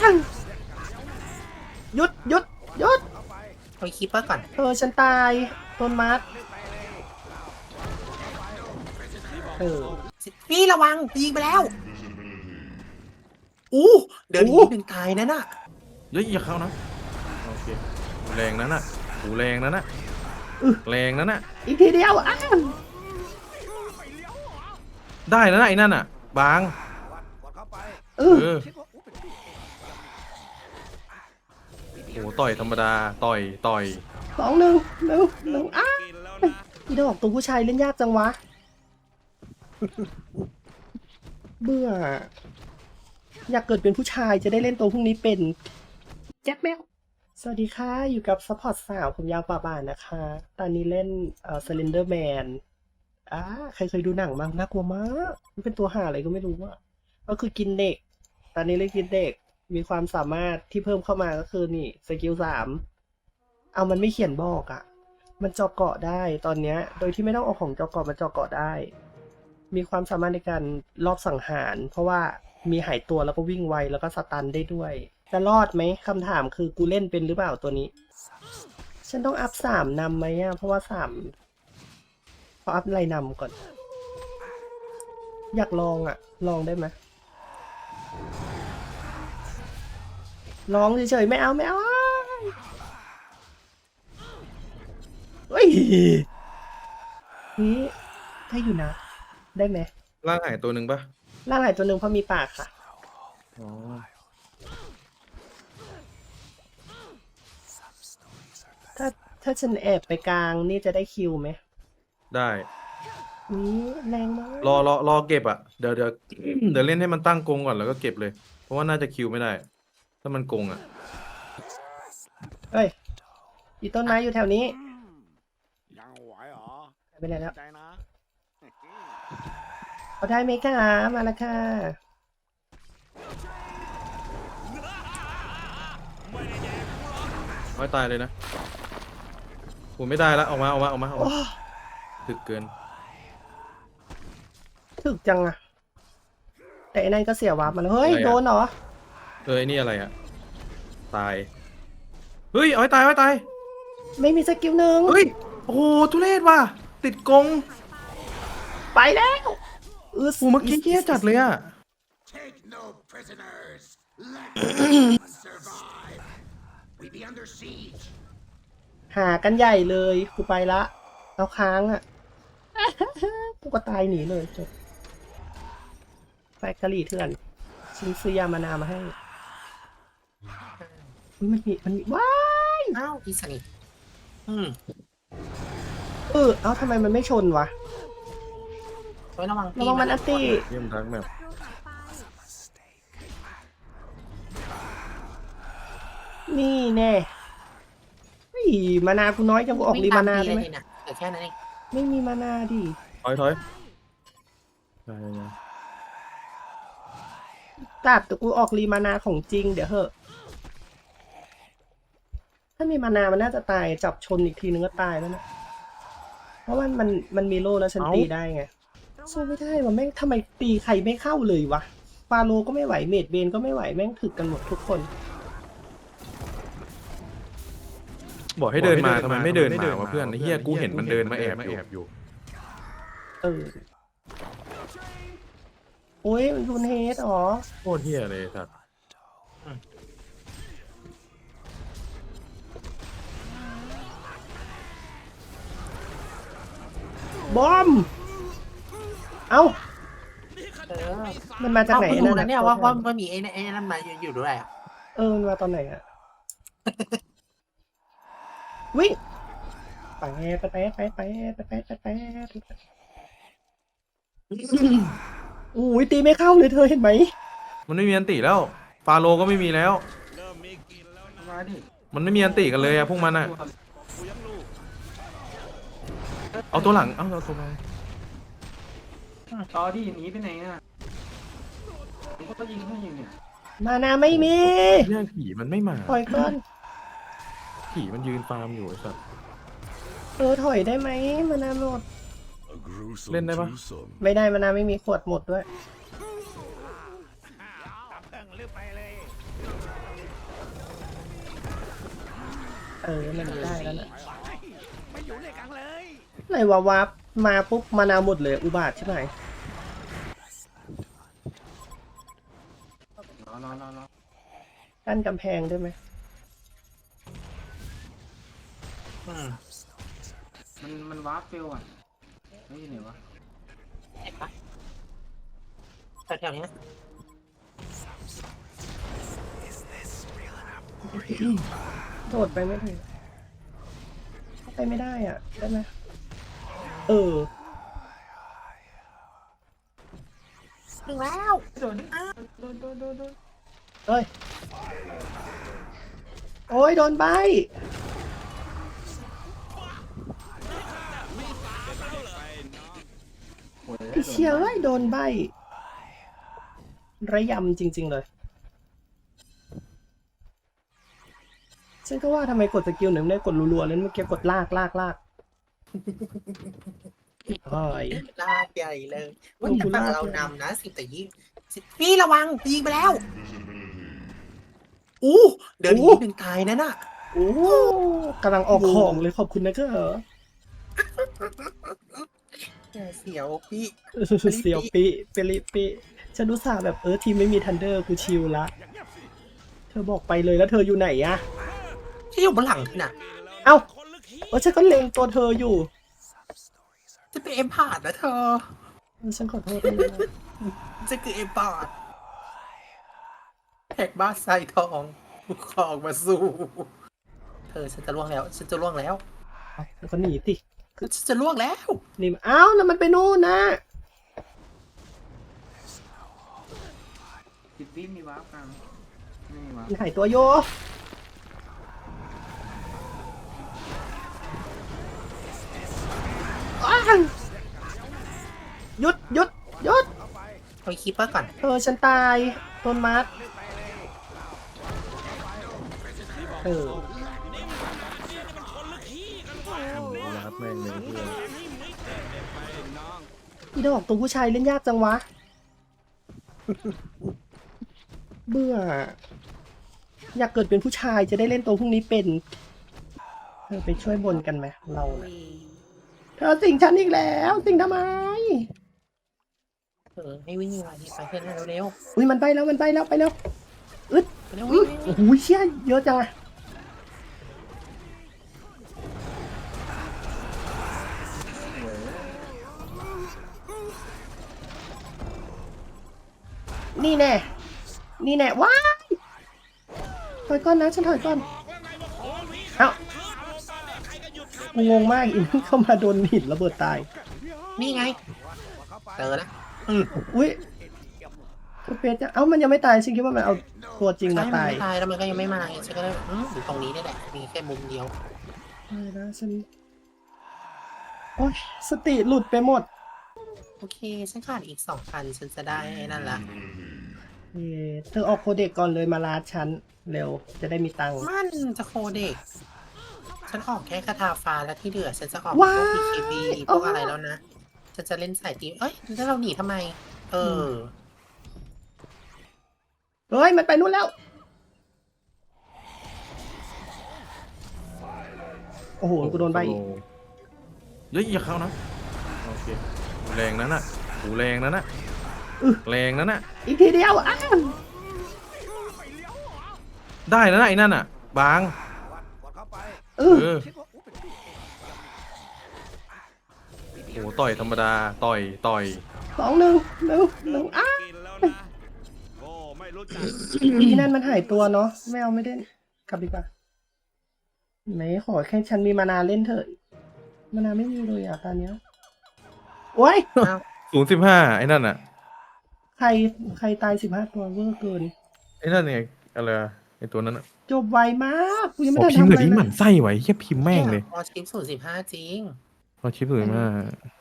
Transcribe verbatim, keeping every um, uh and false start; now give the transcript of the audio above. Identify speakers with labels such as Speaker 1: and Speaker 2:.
Speaker 1: หยุดหยุดหยุด
Speaker 2: เอาคีปเปอร์ก่อน
Speaker 1: เออฉันตายต้นมัดเออ
Speaker 2: พี่ระวังยิงไปแล้วอู้เดี๋ยวนี้หนึ่งตายนั่นน่ะ
Speaker 3: เฮ้ยอย่าเข้านะโอเคแรงนั้นน่ะหูแรงนั้นน่ะแรงนั้นน่ะ
Speaker 1: อีกทีเดียวอ่ะ
Speaker 3: ได้แล้วนะไอ้นั่นน่ะบาง
Speaker 1: เออ
Speaker 3: โอ้ต่อยธรรมดาต่อยต่อย
Speaker 1: สองหนึ่งหนึ่งหนึ่งอ้าอีดอกตัวผู้ชายเล่นยากจังวะเบื่ออยากเกิดเป็นผู้ชายจะได้เล่นตัวพวกนี้เป็นแจ็คแมวสวัสดีค่ะอยู่กับซัพพอร์ตสาวผมยาวป่าบานนะคะตอนนี้เล่นเอ่อ Slenderman อ่าใครเคยดูหนังมั้งน่ากลัวมากมันเป็นตัวห่าอะไรก็ไม่รู้ว่าก็คือกินเด็กตอนนี้เล่นกินเด็กมีความสามารถที่เพิ่มเข้ามาก็คือนี่สกิลสามเอามันไม่เขียนบอกอะ่ะมันเจาะเกาะได้ตอนเนี้ยโดยที่ไม่ต้องเอาของเจาะเกาะมาเจาะเกาะได้มีความสามารถในการรอบสังหารเพราะว่ามีหายตัวแล้วก็วิ่งไวแล้วก็สตันได้ด้วยจะรอดไหมคำถามคือกูเล่นเป็นหรือเปล่าตัวนี้ฉันต้องอัพสามนำไหมอ่ะเพราะว่าสามพออัพอะไรนำก่อนอยากลองอ่ะลองได้ไหมลองเฉยๆไม่เอาไม่เอาเฮ้ยนี่ได้อยู่นะได้ไหม
Speaker 3: ร่างหายตัวหนึ่งปะ
Speaker 1: ร่างหายตัวหนึ่งเพราะมีปากค่ะ
Speaker 3: อ๋อ
Speaker 1: ถ้าถ้าฉันแอบไปกลางนี่จะได้คิวไหม
Speaker 3: ได้
Speaker 1: นี่แรงมาก
Speaker 3: รอรอรอเก็บอ่ะเดี๋ยวเดี๋ยวเดี๋ยวเล่นให้มันตั้งกงก่อนแล้วก็เก็บเลยเพราะว่าน่าจะคิวไม่ได้ถ้ามันกงอ่ะ
Speaker 1: เฮ้ยอีต้นไม้อยู่แถวนี้
Speaker 4: ยังไหวเหรอ
Speaker 1: ไปไหนแล้ว
Speaker 4: ใจนะ
Speaker 1: เอาได้ไหมคะมาแล้วค่ะ
Speaker 3: ไม่ตายเลยนะผมไม่ได้แล้วออกมาออกมาออกมาออกมาถึกเกิน
Speaker 1: ถึกจังอะแต่ไอ้นั่นก็เสียวาร์ปมาแล้วเฮ้ยโดนเหรอ
Speaker 3: เออไอ้นี่อะไรอะตายเฮ้ยเอาให้ตายเอาให้ตาย
Speaker 1: ไม่มีสกิลหนึ่ง
Speaker 3: เฮ้ยโอ้โหทุเรศว่ะติดกง
Speaker 1: ไปแล้ว
Speaker 3: เออเมื่อกี้เหี้ยจัดเลยอะ
Speaker 1: หากันใหญ่เลยกูไปละเอาค้างอ่ะกูก็ตายหนีเลยจบไปกะหรี่เถื่อนชิงซื้อยามานามาให้มันมีมันมีว้าย
Speaker 2: อ้าวอีสนิทอืม
Speaker 1: เออเอ้าทำไมมันไม่ชนวะ
Speaker 2: ระวัง
Speaker 1: ระวังมันอัตตี้
Speaker 3: เยี่ยมทักแบบ
Speaker 1: นี่แน่มานากูน้อยจังกูออกรีมานาได้ไหม
Speaker 2: แต่แค่นั้นเอง
Speaker 1: ไม่มีมานาดิ
Speaker 3: ถอยถอย
Speaker 1: ตัดแต่กูออกรีมานาของจริงเดี๋ยวเหอะถ้ามีมานามันน่าจะตายจับชนอีกทีนึงก็ตายแล้วนะเพราะว่ามันมันมีโล่แล้วฉันตีได้ไงสู้ไม่ได้ว่ะแม่งทำไมตีใครไม่เข้าเลยวะฟาโลก็ไม่ไหวเมดเบนก็ไม่ไหวแม่งถึกกันหมดทุกคน
Speaker 3: บอกให้เดินมาทำไมไม่เดินมาวะเพื่อนเฮียกูเห็นมันเดินมาแอบอยู่
Speaker 1: เออโอ้ยมันรุนเฮดอ๋อ
Speaker 3: โคตรเฮียเลยสัส
Speaker 1: บอมเอ้ามันมาจากไหน
Speaker 2: นะเนี่ยว่าว่ามันมีไอ้ไอ้นั่นมาอยู่ด้วยอ่ะ
Speaker 1: เออมันมาตอนไหนอ่ะวิ่งไปไปไปไปไปไปไปไปไปอุ้ยตีไม่เข้าเลยเธอเห็นไหม
Speaker 3: มันไม่มีอันติแล้วฟาโลก็ไม่มีแล้วมันไม่มีอันติกันเลยอะพวกมันอะเอาตัวหลังเอาเอาตัวมา
Speaker 5: ต่อที่หนีไปไหนอ่ะผมก็ยิงให้ยิงเนี่ย
Speaker 1: มานาไม่มี
Speaker 3: เรื่องผีมันไม่มา
Speaker 1: ปล่อยก่อน
Speaker 3: ผีมันยืนฟาร์มอยู่ไอ้สัส
Speaker 1: เออถอยได้ไหมมานาหมด
Speaker 3: เล่นได้ปะ
Speaker 1: ไม่ได้มานาไม่มีขวดหมดด้วยเออมันได้แล้วนะ
Speaker 4: ไม่อยู่ในกลางเลย
Speaker 1: ไหนวะวับมาปุ๊บมานาวหมดเลยอุบาทใช่ไหม
Speaker 5: รอรอรอรอ
Speaker 1: กั้นกำแพงได้ไหม
Speaker 2: อืม
Speaker 5: มันมันวาร์ปเฟลอ่ะไม่ใช่ไหนวะ
Speaker 2: เห็นปะแถวๆนี้นะ
Speaker 1: โดดไปไม่ถึงเข้าไปไม่ได้อ่ะได้ไหมเออ
Speaker 2: ถึงแล้ว
Speaker 5: โดนโดนโดนโดนโดน
Speaker 1: เอ้ย โอ้ยโดนใบไอ้เชี่ยเอ้ยโดนใบระยำจริงๆเลย ฉันก็ว่าทำไมกดสกิลหนึ่งไม่ได้กดรัวๆเลยเมื่อกี้กดลากลากลากเฮ้ย
Speaker 2: ลากใหญ่เลยว่าแต่ฝั่งเรานำนะสิบแต่ยี่สิบพี่ระวังยิงไปแล้วอู้เดินอีกนิดหนึ่งตายนั่นน่ะ
Speaker 1: โอ้กำลังออกของเลยขอบคุณนะก็เหรอ
Speaker 2: เสียวพี่
Speaker 1: เสียวปิเปริปิฉันรู้สึกแบบเออทีมไม่มีทันเดอร์กูชิลละ เธอบอกไปเลยแล้วเธออยู่ไหนอะ
Speaker 2: ที่อยู่บนหลังพี่น่ะ
Speaker 1: เอ้าเออฉันก็เล็งตัวเธออยู่
Speaker 2: จะเป็นเอ็มพาร์ดนะเธอ
Speaker 1: เออฉันขอโทษด้วยนะ
Speaker 2: จะคือเอ็มพาร์ดแท็กบ้านใส่ทองคลองมาสู้เธอฉันจะล่วงแล้ว ฉันจะล่วงแล้ว
Speaker 1: แล้วก็หนีติ
Speaker 2: ฉันจะล่วงแล้ว
Speaker 1: หนีมาเอ้าแล้วมันไปนู่นนะ
Speaker 5: สิบวิมีวาร์ปกลางไม่มีวาร์ป
Speaker 1: มันหายตัวโยอ้าวหยุดหยุดหยุด
Speaker 2: เอาคีปเปอร์ก่อน
Speaker 1: เออฉันตายต้นมัดเออ
Speaker 3: รับแม่งเลยเพื่อน
Speaker 1: พี่ดอกตัวผู้ชายเล่นยากจังวะ เบื่อ อยากเกิดเป็นผู้ชายจะได้เล่นตัวพวกนี้เป็นเธอไปช่วยบนกันไหมเราน่ะเธอสิงฉันอีกแล้ว สิงทำไม
Speaker 2: เออให้วิ่งมาที่ไปเพื่อนเร็ว
Speaker 1: อุ้ยมันไปแล้วมันไปแล้วไปแล้วอึด
Speaker 2: ๆเร็ว
Speaker 1: อื้
Speaker 2: วิ่
Speaker 1: อง
Speaker 2: วิ่ง
Speaker 1: โอ้โหเชี่ยเยอะจังอะนี่แน่ นี่แน่ ว้ายถอยก่อนนะ ฉันถอยก่อน เอ้ากูงงมากอินเข้ามาโดนหินระเบิดตาย
Speaker 2: นี่ไงเจอแล้วอืม
Speaker 1: อุ้ยคุณเฟสจะเอ้ามันยังไม่ตายฉันคิดว่ามันเอาตัวจริง
Speaker 2: ใช่
Speaker 1: มา
Speaker 2: มัน
Speaker 1: ตาย
Speaker 2: ไม่ตายแล้วมันก็ยังไม่มาไงฉันก็เลยอืมอยู่ตรงนี้นี่แหละมีแค่มุมเดียว
Speaker 1: ไม่นะฉันโอ๊ยสติหลุดไปหมด
Speaker 2: โอเค ฉันขาดอีกสองพันฉันจะได้ไอ้นั่นละ
Speaker 1: เอ่อเธอออกโคเด็กก่อนเลยมาลาดฉันเร็วจะได้มีตังค์
Speaker 2: มันจะโคเด็ก ฉันออกแค่คาถาฟ้าแล้วที่เหลือฉันจะออกพ
Speaker 1: ว้า
Speaker 2: วก
Speaker 1: ย
Speaker 2: พี เค บี พวกอะไรแล้วนะ ฉันจะเล่นสายตีมเอ้ยแล้วเราหนีทำไม เออ
Speaker 1: เฮ้ยมันไปนู่นแล้ว โอ้โหกูโดนใบอีก
Speaker 3: เฮ้ยอย่าเข้านะโอเคแรงนั้นน่ะโหูแรงนั้นน่ะ
Speaker 1: อื้อ
Speaker 3: แรงนั้นน่ะ
Speaker 1: อีกทีเดียวอ้าว
Speaker 3: ได้นะไอ้นั่นน่ะ บาง
Speaker 4: กดเข้าไป
Speaker 1: เออ
Speaker 3: เออโอ้ต่อยธรรมดาต่อยต่อย
Speaker 1: สองหนึ่งหนึ่งหนึ่งอ้าว
Speaker 4: กินแล้วนะโอ้ไม่รู้จัก
Speaker 1: อีนั่นมันหายตัวเนาะไม่เอาไม่เล่นกลับดีกว่าไหนขอแค่ฉันมีมานาเล่นเถอะมานาไม่มีเลยอ่ะตอนเนี้ยโอ้ย
Speaker 2: อ้าว
Speaker 3: ศูนย์สิบห้าไอ้นั่นน่ะ
Speaker 1: ใครใครตายสิบห้าตัวเวอร์เกิน
Speaker 3: ไอ้นั่นไงอะไรอะไอ้ตัวนั้นน่ะ
Speaker 1: จบไวมากกูยังไม่
Speaker 3: โอ้
Speaker 1: ทัน
Speaker 3: พิมพ์
Speaker 1: ทำ
Speaker 3: เล
Speaker 1: อะ
Speaker 3: ย
Speaker 1: ไร
Speaker 3: ที่ห
Speaker 1: เล
Speaker 3: มั่
Speaker 1: ย
Speaker 3: นไส้ไว้แค่พิมพ์แม่งเลย
Speaker 2: พอชิปศูนย์สิบห้าจริง
Speaker 3: พอชิปเลยมาก